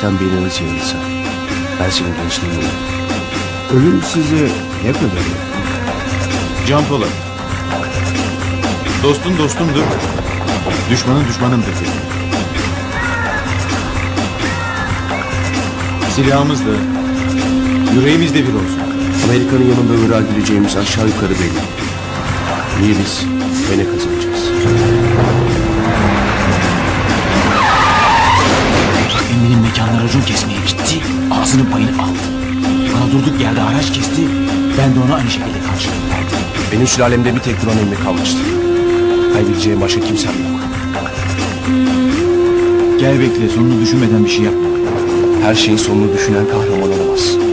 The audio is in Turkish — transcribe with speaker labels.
Speaker 1: Sen beyniniz yarılsa, ben senin gençliğini unuturum.
Speaker 2: Ölüm size ne kadar yakın?
Speaker 3: Can Polat. Dostun dostumdur. Düşmanın düşmanımdır dedim. Silahımız da, yüreğimiz de bir olsun.
Speaker 1: Amerika'nın yanında öğrenebileceğimiz aşağı yukarı belli. Niye biz ve ne kazanacağız?
Speaker 4: Emmi'nin mekanına racon kesmeye gitti, ağzının payını aldı. Bana durduk yerde haraç kesti, ben de ona aynı şekilde karşılık verdim.
Speaker 1: Benim sülalemde bir tek duran emmi kalmıştı. Kaybedeceğim başka kimsem yok.
Speaker 4: Gel bekle, sonunu düşünmeden bir şey yapma.
Speaker 1: Her şeyin sonunu düşünen kahraman olamaz.